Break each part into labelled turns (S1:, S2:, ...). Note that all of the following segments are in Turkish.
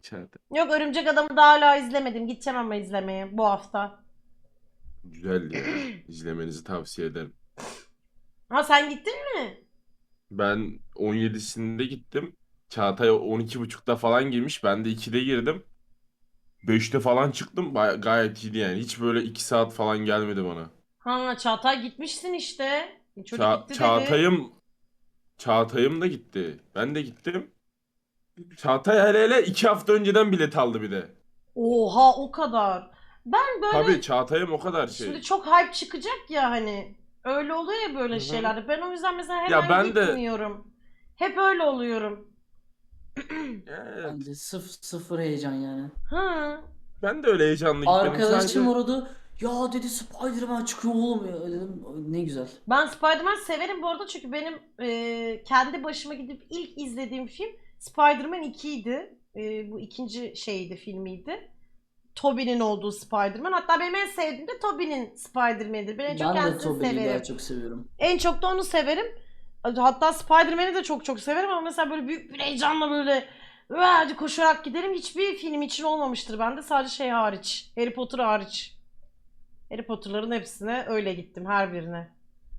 S1: Çağatay.
S2: Yok, Örümcek Adam'ı daha hala izlemedim. Gideceğim ama izlemeye bu hafta.
S1: Güzel ya. İzlemenizi tavsiye ederim.
S2: Ha, sen gittin mi?
S1: Ben 17'sinde gittim. Çağatay 12.30'da falan girmiş. Ben de 2'de girdim. 5'te falan çıktım. Gayet iyiydi yani. Hiç böyle 2 saat falan gelmedi bana.
S2: Ha, Çağatay gitmişsin işte. Çocuk gitti dedi.
S1: Çağatay'ım da gitti. Ben de gittim. Çağatay hele hele 2 hafta önceden bilet aldı bir de.
S2: Oha, o kadar. Ben
S1: Tabii
S2: böyle
S1: Çağatay'ım o kadar
S2: şimdi
S1: şey.
S2: çok hype çıkacak ya hani. Öyle oluyor ya
S1: Hı
S2: böyle
S1: hı.
S2: şeylerde. Ben o yüzden mesela
S1: Ya
S2: hemen
S1: ben de
S2: gitmiyorum. Hep öyle oluyorum.
S3: Ben
S1: evet.
S3: de sıfır heyecan yani.
S2: Ha.
S1: Ben de öyle heyecanlı gitmedim.
S3: Arkadaşım
S1: Sadece
S3: orada ya dedi Spider-Man çıkıyor oğlum ya dedim ne güzel.
S2: Ben Spider-Man severim bu arada çünkü benim kendi başıma gidip ilk izlediğim film Spider-Man 2 idi. Bu ikinci şeydi, filmiydi. Tobey'nin olduğu Spider-Man. Hatta benim en sevdiğim de Tobey'nin Spider-Man'idir. Ben en çok
S3: Ben de
S2: kendisini
S3: Tobey'i daha
S2: severim.
S3: çok seviyorum.
S2: En çok da onu severim. Hatta Spider-Man'i de çok çok severim ama mesela böyle büyük bir heyecanla böyle hadi koşarak giderim. Hiçbir film için olmamıştır bende. Sadece şey hariç. Harry Potter hariç. Harry Potter'ların hepsine öyle gittim, her birine.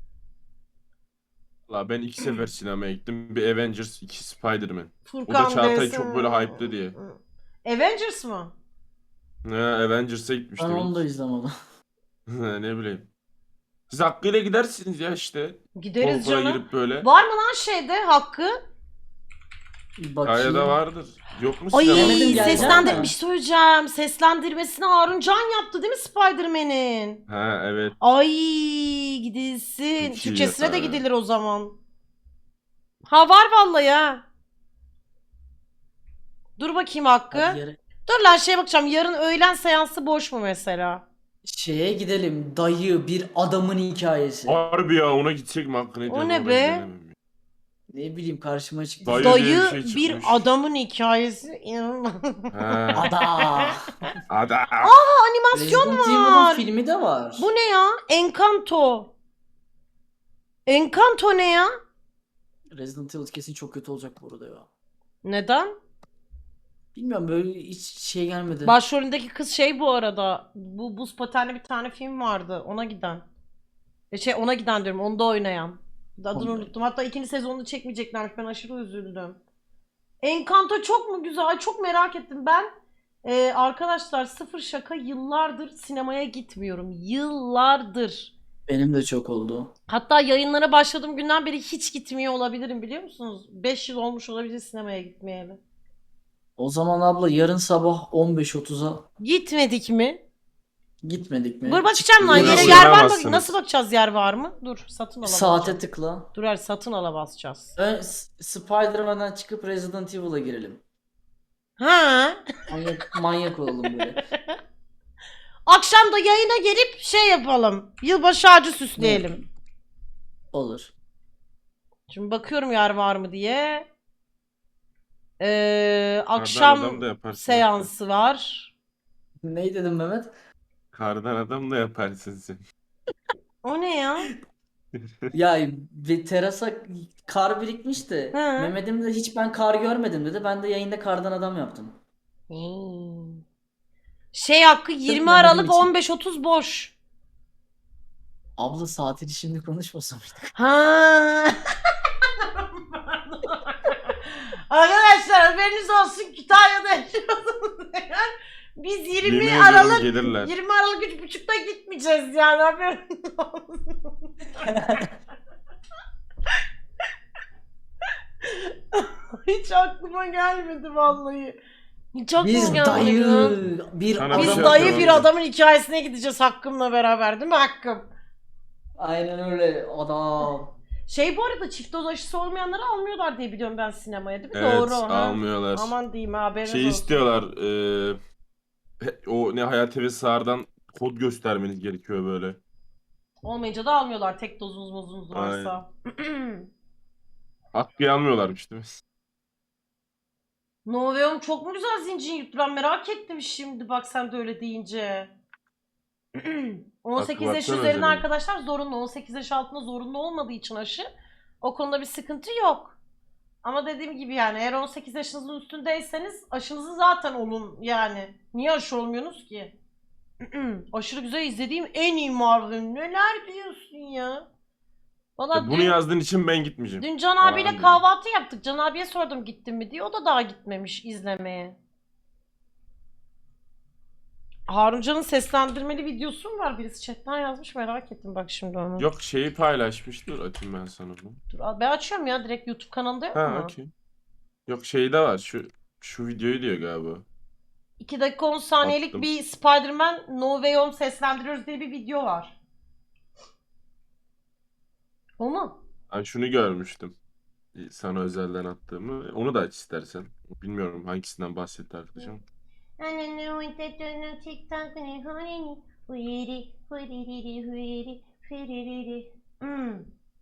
S1: valla ben 2 sefer sinemaya gittim. Bir Avengers, iki Spider-Man. O da
S2: Furkan
S1: Çağatay
S2: vs.
S1: çok böyle hype'lı diye.
S2: Avengers mı?
S1: Ne Avengers'a
S3: Ben
S1: gitmiştim
S3: onu da
S1: ilk.
S3: izlemedim.
S1: Ne bileyim. Siz hakkıyla gidersiniz ya işte. Kol
S2: Gideriz
S1: kola
S2: canım.
S1: girip böyle.
S2: Var mı lan şeyde Hakkı?
S1: Kayada
S3: Bakayım.
S1: vardır. Yok mu
S2: Ay,
S1: sinemada?
S3: Mehmet'im gelecek
S2: seslendir bir
S3: mi?
S2: şey söyleyeceğim. Seslendirmesini Harun Can yaptı değil mi Spider-Man'in?
S1: Ha evet.
S2: Ay, gidilsin.
S1: Çok iyi ya.
S2: Türkçesine de gidilir o zaman. Ha, var vallahi ha. Dur bakayım
S3: Hadi
S2: Hakkı.
S3: yere.
S2: Dur lan, şeye bakacağım. Yarın öğlen seansı boş mu mesela?
S3: Şeye gidelim. Dayı bir adamın hikayesi.
S1: Harbi ya ona gidecek mi hakkı ne
S2: O
S1: diyorsun
S2: ne
S1: ona
S2: be?
S1: gidelim.
S3: Ne bileyim karşıma çıktı
S1: Dayı
S3: zaten.
S1: diye bir
S2: Dayı
S1: şey
S2: bir
S1: çıkmış.
S2: adamın hikayesi. İnanılmaz.
S1: Ha.
S3: Ada.
S1: Ada.
S2: Animasyon
S3: Resident Evil'ın
S2: var.
S3: filmi de var.
S2: Bu ne ya? Encanto. Encanto ne ya?
S3: Resident Evil kesin çok kötü olacak bu arada ya.
S2: Neden?
S3: Bilmiyorum böyle hiç şey gelmedi.
S2: Başrolündeki kız şey bu arada. Bu buz patenli bir tane film vardı. Ona giden. Ona giden diyorum. Onda oynayan. Adını
S3: Onda.
S2: unuttum. Hatta ikinci sezonunu çekmeyeceklermiş. Ben aşırı üzüldüm. Encanto çok mu güzel? Çok merak ettim. Ben arkadaşlar, sıfır şaka, yıllardır sinemaya gitmiyorum. Yıllardır.
S3: Benim de çok oldu.
S2: Hatta yayınlara başladığım günden beri hiç gitmiyor olabilirim, biliyor musunuz? 5 yıl olmuş olabilir sinemaya gitmeyeli.
S3: O zaman abla yarın sabah 15.30'a
S2: Gitmedik mi?
S3: gitmedik mi?
S2: Dur bakacağım lan,
S1: Yine
S2: yere yer var mı?
S1: uyanamazsınız.
S2: Nasıl bakacağız, yer var mı? Dur, satın ala
S3: Saate
S2: basacağım.
S3: tıkla.
S2: Dur, her satın ala basacağız.
S3: Spider-Man'den çıkıp Resident Evil'a girelim.
S2: Ha?
S3: Manyak olalım böyle.
S2: Akşam da yayına gelip şey yapalım. Yılbaşı ağacı
S3: Ne?
S2: süsleyelim.
S3: Olur.
S2: Şimdi bakıyorum yer var mı diye.
S1: Kardan
S2: Akşam
S1: adam da yaparsın.
S2: seansı var.
S3: Ne dedim Mehmet?
S1: Kardan adam da yaparsın sen.
S2: O ne ya?
S3: Ya bir terasa kar birikmiş de
S2: Hı.
S3: Mehmet'im de hiç ben kar görmedim dedi. Ben de yayında kardan adam yaptım.
S2: Şey Hakkı,
S3: Sırf
S2: 20
S3: Mehmet'im
S2: Aralık
S3: için.
S2: 15.30 boş.
S3: Abla saatini şimdi konuşmasam mıydık?
S2: Ha. Arkadaşlar haberiniz olsun, Kütahya'da yaşıyorsunuz eğer. Biz 20
S1: Yemin ediyorum
S2: Aralık
S1: gelirler.
S2: 20 Aralık 3.30'da gitmeyeceğiz yani, haberiniz olsun. Hiç aklıma gelmedi vallahi. Hiç aklıma
S3: Biz
S2: gelmedi
S3: dayı
S2: ya.
S3: bir
S1: Sana bir
S2: Biz
S1: şey
S3: adam.
S2: dayı
S1: yapıyorum
S2: bir
S1: ben.
S2: adamın hikayesine gideceğiz Hakkım'la beraber, değil mi Hakkım?
S3: Aynen öyle adam.
S2: Şey, bu arada çift doz aşısı olmayanları almıyorlar diye biliyorum ben sinemaya, değil mi?
S1: Evet
S2: Doğru ha.
S1: almıyorlar.
S2: Aman diyeyim, haberiniz
S1: Şey
S2: olsun.
S1: istiyorlar. O ne Hayat TV Sağır'dan kod göstermeniz gerekiyor böyle.
S2: Olmayınca da almıyorlar, tek dozunuz mozunuz
S1: Aynen.
S2: varsa.
S1: Hakkı almıyorlarmış değil mi?
S2: Noveum çok mu güzel zincir yuttu? Ben merak ettim şimdi, bak sen de öyle deyince. 18 yaş
S1: baksana
S2: üzerine
S1: özelliğine.
S2: arkadaşlar zorunlu. 18 yaş altında zorunlu olmadığı için aşı. O konuda bir sıkıntı yok. Ama dediğim gibi yani eğer 18 yaşınızın üstündeyseniz aşınızı zaten olun yani. Niye aşı olmuyorsunuz ki? Aşırı güzel izlediğim en iyi Marvel. Neler diyorsun ya? Valla
S1: Bunu yazdığın için ben gitmeyeceğim.
S2: dün Can
S1: Falan
S2: abiyle
S1: dedim.
S2: kahvaltı yaptık. Can abiye sordum gittin mi diye. O da daha gitmemiş izlemeye. Haruncan'ın seslendirmeli videosu mu var? Birisi chatten yazmış, merak ettim bak şimdi onu.
S1: Yok şeyi paylaşmıştır. Açayım ben sana bunu.
S2: Dur, ben açıyorum ya direkt YouTube kanalında yok
S1: Ha
S2: mu?
S1: okey. Yok şeyde var. Şu videoyu diyor galiba.
S2: 2 dakika 10 saniyelik
S1: Attım.
S2: bir Spider-Man No Way Home seslendiriyoruz diye bir video var. O mu?
S1: Ben şunu görmüştüm. Sana özelden attığımı. Onu da aç istersen. Bilmiyorum hangisinden bahsetti arkadaşım. Hmm.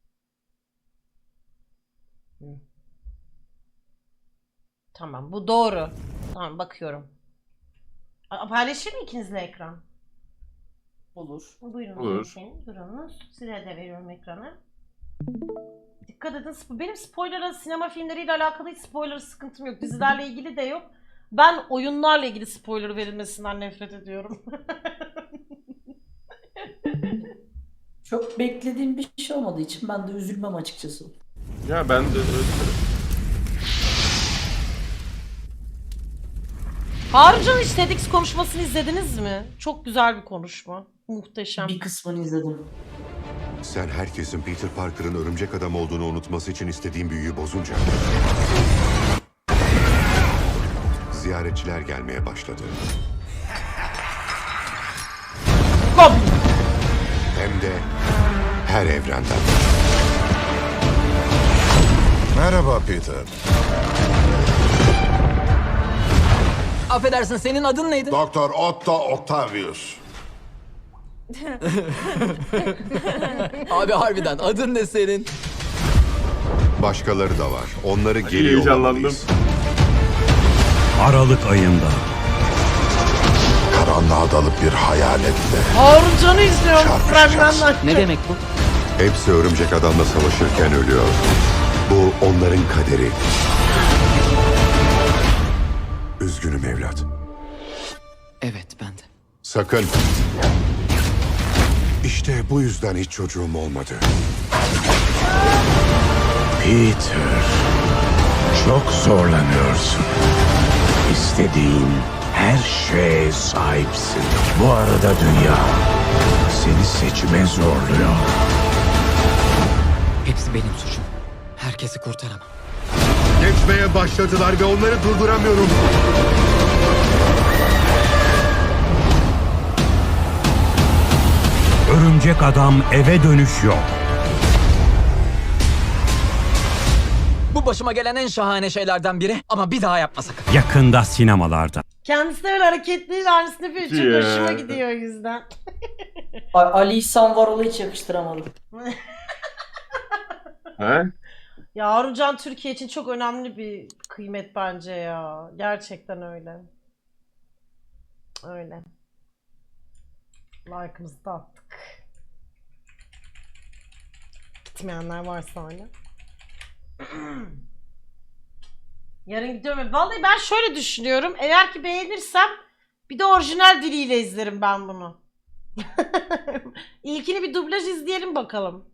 S1: Tamam bu doğru. Tamam bakıyorum. Paylaşır mı ikinizle ekran?
S3: Olur.
S2: Buyurun
S1: Olur.
S2: efendim. Durunuz. Size de veriyorum ekranı. Dikkat edin. Benim spoiler'a sinema filmleriyle alakalı hiç spoiler sıkıntım yok. Dizilerle ilgili de yok. Ben oyunlarla ilgili spoiler verilmesinden nefret ediyorum.
S3: Çok beklediğim bir şey olmadığı için ben de üzülmem açıkçası.
S1: Ya ben de
S2: Haruncan'ın hiç TEDx konuşmasını izlediniz mi? Çok güzel bir konuşma. Muhteşem.
S3: Bir kısmını izledim.
S4: Sen herkesin Peter Parker'ın örümcek adam olduğunu unutması için istediğin büyüyü bozunca... ziyaretçiler gelmeye başladı.
S2: Goblin.
S4: Hem de her evrenden. Merhaba Peter.
S5: Affedersin, senin adın neydi?
S4: Doktor Otto Octavius.
S5: Abi harbiden adın ne senin?
S4: Başkaları da var. Onları geri
S1: heyecanlandım.
S4: yollamalıyız.
S6: Aralık ayında
S4: Karanlığa dalıp bir hayaletle.
S2: Haruncan'ı izliyorum
S4: Çarpışacağız.
S2: fragmandan.
S5: Ne demek bu?
S4: Hepsi örümcek adamla savaşırken ölüyor. Bu onların kaderi. Üzgünüm evlat.
S5: Evet, ben de.
S4: Sakın. İşte bu yüzden hiç çocuğum olmadı.
S6: Peter, çok zorlanıyorsun. İstediğin her şeye sahipsin. Bu arada dünya seni seçime zorluyor.
S5: Hepsi benim suçum. Herkesi kurtaramam.
S4: Geçmeye başladılar ve onları durduramıyorum.
S6: Örümcek Adam eve dönüş yok.
S5: Bu başıma gelen en şahane şeylerden biri ama bir daha yapmasak.
S6: Yakında sinemalarda.
S2: Kendisi de böyle hareketli aynısını yapıyor. Çok
S1: Ya.
S2: hoşuma gidiyor o yüzden.
S3: Ali İhsan Varol'u hiç yakıştıramadım.
S1: He?
S2: Ya Haruncan Türkiye için çok önemli bir kıymet bence ya. Gerçekten öyle. Öyle. Like'ımızı da attık. Gitmeyenler varsa hala. Yarın gidiyorum. Vallahi ben şöyle düşünüyorum. Eğer ki beğenirsem bir de orijinal diliyle izlerim ben bunu. İlkini bir dublaj izleyelim bakalım.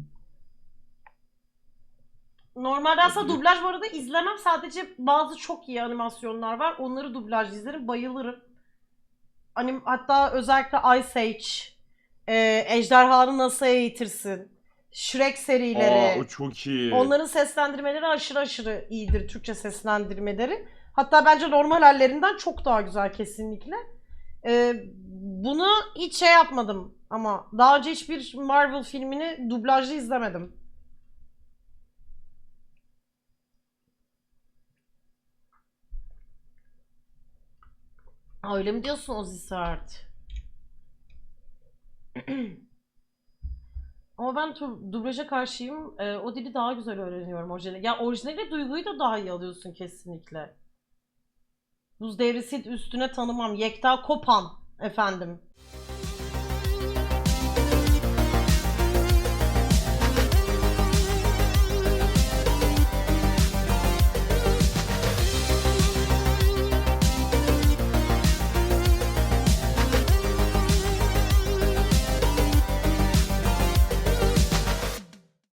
S2: Normalde aslında dublaj bu arada izlemem. Sadece bazı çok iyi animasyonlar var. Onları dublaj izlerim. Bayılırım. Hatta özellikle Ice Age, Ejderhanı Nasıl Eğitirsin, Shrek serileri.
S1: Aa o çok iyi.
S2: Onların seslendirmeleri aşırı aşırı iyidir. Türkçe seslendirmeleri. Hatta bence normal hallerinden çok daha güzel kesinlikle. Bunu hiç şey yapmadım ama daha önce hiçbir Marvel filmini dublajlı izlemedim. Aa, öyle mi diyorsun Ozzy Sert? Ama ben dublaja karşıyım. O dili daha güzel öğreniyorum orijinali. Ya orijinali duyguyu da daha iyi alıyorsun kesinlikle. Buz devrisi üstüne tanımam. Yekta Kopan efendim.